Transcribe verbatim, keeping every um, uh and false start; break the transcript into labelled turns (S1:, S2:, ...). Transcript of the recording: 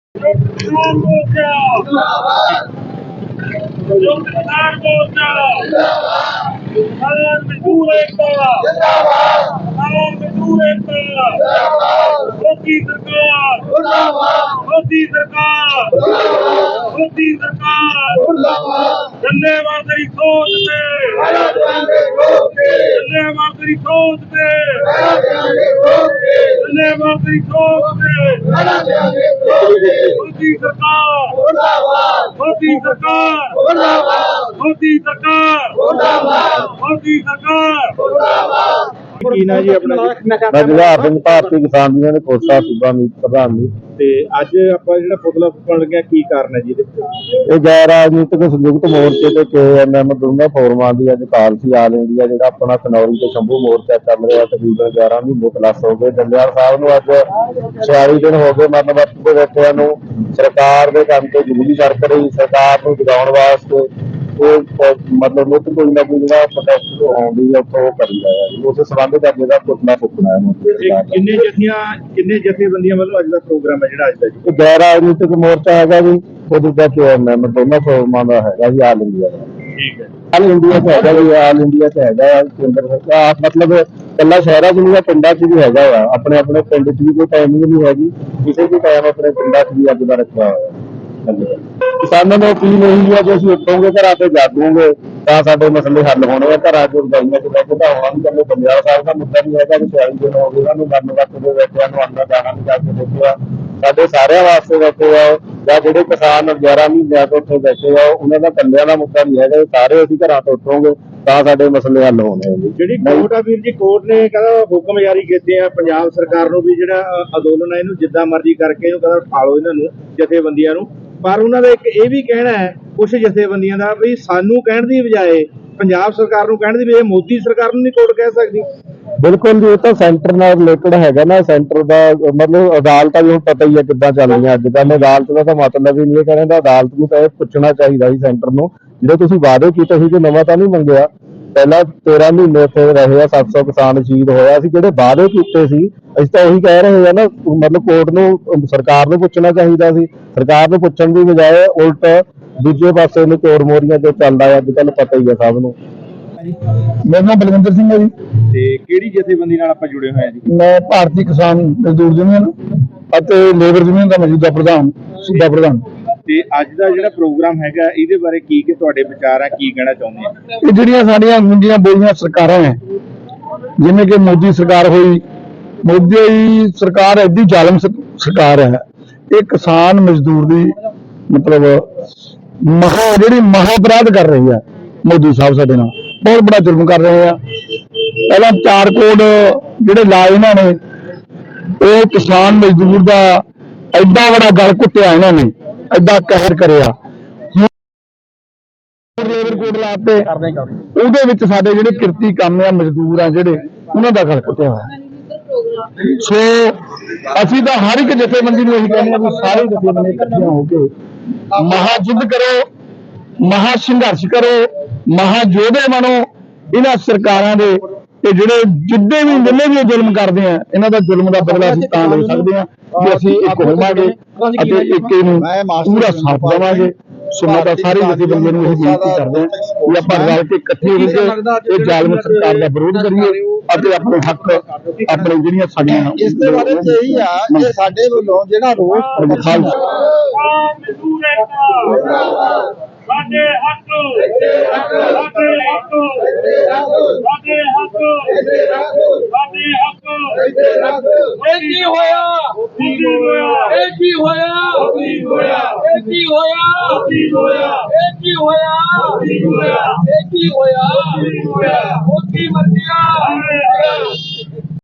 S1: किसान मोर्चा संयुक्त किसान मोर्चा किसान मजदूर एकता किसान मजदूर एकता मोदी सरकार मोदी सरकार मोदी सरकार धन्यवाद तेरी सोच पे धन्यवाद तेरी सोच पे धन्यवाद तेरी सोच पे मोदी सरकार मोदी सरकार मोदी सरकार मोदी सरकार
S2: ਕੀ ਨਾ ਜੀ ਆਪਣਾ
S3: ਮੈਂ ਜਵਾਹਰ ਸਿੰਘ ਭਾਰਤੀ ਕਿਸਾਨ ਯੂਨੀਅਨ ਦੇ ਕੋਸਾ ਸੂਬਾ ਮੀਤ ਪ੍ਰਧਾਨ ਜੀ।
S2: ਤੇ ਅੱਜ ਆਪਾਂ ਜਿਹੜਾ ਪੁਤਲਾ ਫੁੱਕਣ ਲੱਗਿਆ ਕੀ ਕਾਰਨ ਹੈ ਜੀ ਇਹਦੇ?
S3: ਇਹ ਗੈਰ ਰਾਜਨੀਤਿਕ ਸੰਯੁਕਤ ਮੋਰਚੇ ਤੇ ਕੇ ਐਮ ਐਮ ਦੋਨਾਂ ਫੋਰਮਾਂ ਦੀ ਅੱਜ ਕਾਲ ਸੀ ਆਲ ਇੰਡੀਆ ਜਿਹੜਾ ਆਪਣਾ ਖਨੌਰੀ ਤੇ ਸ਼ੰਭੂ ਮੋਰਚਾ ਚੱਲ ਰਿਹਾ ਤਕਰੀਬਨ ਗਿਆਰਾਂ ਮਹੀਨੇ ਪਲੱਸ ਹੋ ਗਏ। ਜੰਡਿਆਲ ਸਾਹਿਬ ਨੂੰ ਅੱਜ ਛਿਆਲੀ ਦਿਨ ਹੋ ਗਏ ਮਰਨ ਵਰਤ ਦੇ ਬੈਠਿਆਂ ਨੂੰ। ਸਰਕਾਰ ਦੇ ਕੰਮ ਤੇ ਜ਼ਰੂਰੀ ਸਰਕ ਰਹੀ ਸਰਕਾਰ ਨੂੰ ਜਗਾਉਣ ਵਾਸਤੇ ਉਹ ਮਤਲਬ ਮੁੱਖ ਕੋਈ ਨਾ ਕੋਈ ਜਿਹੜਾ ਪ੍ਰੋਟੈਸਟ ਆਉਂਦੀ ਹੈ ਉਹ ਕਰੀ ਰਿਹਾ ਹੈ। ਉਸ ਸੰਬੰਧ ਦਾ ਜਿਹੜਾ ਪੁਤਲਾ ਫੁੱਕਣਾ ਹੈ।
S2: ਕਿੰਨੇ ਜਥੀਆਂ ਕਿੰਨੇ ਜਥੇਬੰਦੀਆਂ ਵੱਲੋਂ ਅੱਜ ਦਾ ਪ੍ਰੋਗਰਾਮ ਹੈ ਜਿਹੜਾ ਅੱਜ ਦਾ ਜੀ?
S3: ਇਹ ਗੈਰ ਰਾਜਨੀਤਿਕ ਮੋਰਚਾ ਹੈਗਾ ਜੀ, ਉਹਦੇ ਦਾ ਕੇ ਐਮ ਐਮ ਦੋਨਾਂ ਫੋਰਮਾਂ ਦਾ ਹੈਗਾ ਜੀ ਆਲ ਇੰਡੀਆ ਦਾ।
S2: ਠੀਕ ਹੈ,
S3: ਆਲ ਇੰਡੀਆ ਚ ਹੈਗਾ ਜੀ, ਆਲ ਇੰਡੀਆ ਚ ਹੈਗਾ ਕੇਂਦਰ ਸਰਕਾਰ ਮਤਲਬ ਇਕੱਲਾ ਸ਼ਹਿਰਾਂ ਚ ਨਹੀਂ ਹੈ, ਪਿੰਡਾਂ ਚ ਵੀ ਹੈਗਾ ਆ। ਆਪਣੇ ਆਪਣੇ ਪਿੰਡ ਚ ਵੀ ਕੋਈ ਟਾਈਮਿੰਗ ਨਹੀਂ ਹੈਗੀ, ਕਿਸੇ ਵੀ ਟਾਈਮ ਆਪਣੇ ਪਿੰਡਾਂ ਚ ਵੀ ਅੱਜ ਦਾ ਰੱਖਿਆ ਹੋਇਆ। ਕਿਸਾਨਾਂ ਨੂੰ ਅਪੀਲ ਇਹੀ ਹੈ ਕਿ ਅਸੀਂ ਉੱਠੋਗੇ ਘਰਾਂ ਤੇ ਜਾਗੋਗੇ ਤਾਂ ਸਾਡੇ ਮਸਲੇ ਹੱਲ ਹੋਣੇ ਆ। ਘਰਾਂ ਚ ਰਜਾਈਆਂ ਚ ਬਹਿ ਕੇ ਤਾਂ ਹੋਣਾ ਨਹੀਂ। ਕੱਲੇ ਪੰਜਾਬ ਸਾਹਿਬ ਦਾ ਮੁੱਦਾ ਨਹੀਂ ਹੈਗਾ ਕਿ ਛਿਆਲੀ ਦਿਨ ਹੋ ਗਏ ਉਹਨਾਂ ਨੂੰ ਮਰਨ ਵਰਤ ਦੇ ਬੈਠਿਆਂ ਨੂੰ ਆਉਣਾ ਜਾਣਾ ਨਹੀਂ ਜਾ ਕੇ ਦੇਖਿਆ। ਸਾਡੇ ਸਾਰਿਆਂ ਵਾਸਤੇ ਬੈਠੇ ਆ ਜਾਂ ਜਿਹੜੇ ਕਿਸਾਨ ਗਿਆਰਾਂ ਮਹੀਨਿਆਂ ਤੋਂ ਉੱਥੇ ਬੈਠੇ ਆ ਉਹਨਾਂ ਦਾ ਕੱਲਿਆਂ ਦਾ ਮੁੱਦਾ ਨਹੀਂ ਹੈਗਾ। ਸਾਰੇ ਅਸੀਂ ਘਰਾਂ ਤੋਂ ਉੱਠੋਗੇ ਤਾਂ ਸਾਡੇ ਮਸਲੇ ਹੱਲ ਹੋਣੇ ਆ ਜੀ।
S2: ਜਿਹੜੀ ਕੋਰਟ ਆ ਵੀਰ ਜੀ, ਕੋਰਟ ਨੇ ਕਹਿੰਦਾ ਹੁਕਮ ਜਾਰੀ ਕੀਤੇ ਆ ਪੰਜਾਬ ਸਰਕਾਰ ਨੂੰ ਵੀ ਜਿਹੜਾ ਅੰਦੋਲਨ ਹੈ ਇਹਨੂੰ ਜਿੱਦਾਂ ਮਰਜ਼ੀ ਕਰਕੇ ਇਹਨੂੰ ਕਹਿੰਦਾ ਉਠਾ ਲਓ ਇਹਨਾਂ ਨੂੰ ਜਥੇਬੰਦੀਆਂ ਨੂੰ। ਪਰ ਉਹਨਾਂ ਦਾ ਇੱਕ ਇਹ ਵੀ ਕਹਿਣਾ ਹੈ ਕੁਝ ਜਥੇਬੰਦੀਆਂ ਦਾ ਵੀ ਸਾਨੂੰ ਕਹਿਣ ਦੀ ਬਜਾਏ ਪੰਜਾਬ ਸਰਕਾਰ ਨੂੰ ਕਹਿਣ ਦੀ ਵੀ ਇਹ ਮੋਦੀ ਸਰਕਾਰ ਨੂੰ ਨਹੀਂ ਕੋਰਟ ਕਹਿ ਸਕਦੀ।
S3: ਬਿਲਕੁਲ ਜੀ, ਇਹ ਤਾਂ ਸੈਂਟਰ ਨਾਲ ਰਿਲੇਟਡ ਹੈਗਾ ਨਾ। ਸੈਂਟਰ ਦਾ ਮਤਲਬ ਅਦਾਲਤਾਂ ਵੀ ਹੁਣ ਪਤਾ ਹੀ ਹੈ ਕਿੱਦਾਂ ਚੱਲ ਰਹੀਆਂ ਅੱਜ ਕੱਲ੍ਹ। ਅਦਾਲਤ ਦਾ ਤਾਂ ਮਤਲਬ ਹੀ ਨਹੀਂ ਕਹਿੰਦਾ, ਅਦਾਲਤ ਨੂੰ ਤਾਂ ਇਹ ਪੁੱਛਣਾ ਚਾਹੀਦਾ ਸੀ ਸੈਂਟਰ ਨੂੰ ਜਿਹੜੇ ਤੁਸੀਂ ਵਾਅਦੇ ਕੀਤੇ ਸੀ ਕਿ ਨਵਾਂ ਤਾਂ ਨਹੀਂ ਮੰਗਿਆ। ਪਹਿਲਾਂ ਤੇਰਾਂ ਮਹੀਨੇ ਉੱਥੇ ਰਹੇ ਆ, ਸੱਤ ਸੌ ਕਿਸਾਨ ਸ਼ਹੀਦ ਹੋਇਆ ਸੀ। ਜਿਹੜੇ ਵਾਅਦੇ ਕੀਤੇ ਸੀ ਅਸੀਂ ਤਾਂ ਉਹੀ ਕਹਿ ਰਹੇ ਆ ਨਾ। ਮਤਲਬ ਕੋਰਟ ਨੂੰ ਸਰਕਾਰ ਨੂੰ ਪੁੱਛਣਾ ਚਾਹੀਦਾ ਸੀ। ਸਰਕਾਰ ਨੂੰ ਪੁੱਛਣ ਦੀ ਬਜਾਏ ਉਲਟ ਦੂਜੇ ਪਾਸੇ ਨੂੰ ਚੋਰ ਮੋਰੀਆਂ ਤੇ ਚੱਲਦਾ ਹੈ ਅੱਜ ਕੱਲ੍ਹ, ਪਤਾ ਹੀ ਹੈ ਸਭ ਨੂੰ।
S4: ਮੇਰਾ ਨਾਮ ਬਲਵਿੰਦਰ ਸਿੰਘ ਹੈ ਜੀ
S2: ਤੇ ਕਿਹੜੀ ਜਥੇਬੰਦੀ ਨਾਲ ਆਪਾਂ ਜੁੜੇ ਹੋਏ ਆ ਜੀ?
S4: ਮੈਂ ਭਾਰਤੀ ਕਿਸਾਨ ਮਜ਼ਦੂਰ ਯੂਨੀਅਨ ਅਤੇ ਲੇਬਰ ਯੂਨੀਅਨ ਦਾ ਮੌਜੂਦਾ ਪ੍ਰਧਾਨ ਸੂਬਾ ਪ੍ਰਧਾਨ।
S2: ਤੇ ਅੱਜ ਦਾ ਜਿਹੜਾ ਪ੍ਰੋਗਰਾਮ ਹੈਗਾ ਇਹਦੇ ਬਾਰੇ ਕੀ ਕਿ ਤੁਹਾਡੇ ਵਿਚਾਰ ਆ, ਕੀ ਕਹਿਣਾ ਚਾਹੁੰਦੇ ਆ?
S4: ਇਹ ਜਿਹੜੀਆਂ ਸਾਡੀਆਂ ਗੁੰਜੀਆਂ ਬੋਲੀਆਂ ਸਰਕਾਰਾਂ ਹੈ, ਜਿਵੇਂ ਕਿ ਮੋਦੀ ਸਰਕਾਰ ਹੋਈ, ਮੋਦੀ ਸਰਕਾਰ ਐਡੀ ਜ਼ਾਲਮ ਸਰਕਾਰ ਹੈ। ਇਹ ਕਿਸਾਨ ਮਜ਼ਦੂਰ ਦੀ ਮਤਲਬ ਮਹਾ ਜਿਹੜੀ ਮਹਾ ਅਪਰਾਧ ਕਰ ਰਹੀ ਹੈ। ਮੋਦੀ ਸਾਹਿਬ ਸਾਡੇ ਨਾਲ ਬਹੁਤ ਬੜਾ ਜ਼ੁਲਮ ਕਰ ਰਹੇ ਆ। ਪਹਿਲਾਂ ਚਾਰ ਕੋਡ ਜਿਹੜੇ ਲਾਏ ਇਹਨਾਂ ਨੇ, ਉਹ ਕਿਸਾਨ ਮਜ਼ਦੂਰ ਦਾ ਐਡਾ ਬੜਾ ਗਲ ਘੁੱਟਿਆ ਇਹਨਾਂ ਨੇ, ਐਡਾ ਕਹਿਰ ਕਰਿਆ। ਲੇਬਰ ਕੋਡ ਲਾਤੇ, ਉਹਦੇ ਵਿੱਚ ਸਾਡੇ ਜਿਹੜੇ ਕਿਰਤੀ ਕੰਮ ਆ ਮਜ਼ਦੂਰ ਆ ਜਿਹੜੇ ਉਹਨਾਂ ਦਾ ਗਲ ਘੁੱਟਿਆ ਹੋਇਆ। ਸੋ ਅਸੀਂ ਤਾਂ ਹਰ ਇੱਕ ਜਥੇਬੰਦੀ ਨੂੰ ਇਹੀ ਕਹਿੰਦੇ ਆ ਵੀ ਸਾਰੇ ਜਥੇਬੰਦੀਆਂ ਇਕੱਠੀਆਂ ਹੋ ਕੇ ਮਹਾ ਯੁੱਧ ਕਰੋ, ਮਹਾ ਸੰਘਰਸ਼ ਕਰੋ, ਮਹਾ ਯੋਧੇ ਬਣੋ ਇਹਨਾਂ ਸਰਕਾਰਾਂ ਦੇ। ਤੇ ਜਿਹੜੇ ਜਿੱਦੇ ਵੀ ਜਿੰਨੇ ਵੀ ਜ਼ੁਲਮ ਕਰਦੇ ਆ ਇਹਨਾਂ ਦਾ ਜ਼ੁਲਮ ਦਾ ਬਦਲਾ ਅਸੀਂ ਤਾਂ ਲੈ ਸਕਦੇ ਆ ਕਿ ਅਸੀਂ ਇੱਕ ਹੋਵਾਂਗੇ ਅਤੇ ਇੱਕ ਨੂੰ ਪੂਰਾ ਸਾਥ ਦੇਵਾਂਗੇ। ਸੋ ਮੈਂ ਤਾਂ ਸਾਰੀ ਜਥੇਬੰਦੀਆਂ ਨੂੰ ਇਹ ਬੇਨਤੀ ਕਰਦੇ ਹਾਂ ਕਿ ਆਪਾਂ ਰਲ ਕੇ ਇਕੱਠੇ ਹੋ ਕੇ ਇਹ ਜ਼ਾਲਮ ਸਰਕਾਰ ਦਾ ਵਿਰੋਧ ਕਰੀਏ ਅਤੇ ਆਪਣੇ ਹੱਕ ਆਪਣੇ ਜਿਹੜੀਆਂ ਸਾਡੀਆਂ
S5: ਇਸ ਦੇ ਬਾਰੇ ਚ ਇਹੀ ਆ ਕਿ ਸਾਡੇ ਵੱਲੋਂ ਜਿਹੜਾ ਰੋਸ
S1: ਸਾਡੇ ਹੱਕ ਸਾਡੇ ਹੱਕ ਸਾਡੇ ਹੱਕ ਸਾਡੇ ਹੱਕ ਇਹ ਕੀ ਹੋਇਆ ਕੀ ਹੋਇਆ ਇਹ ਕੀ ਹੋਇਆ ਕੀ ਹੋਇਆ ਇਹ ਕੀ ਹੋਇਆ ਕੀ ਹੋਇਆ ਇਹ ਕੀ ਹੋਇਆ ਕੀ ਹੋਇਆ ਇਹ ਕੀ ਹੋਇਆ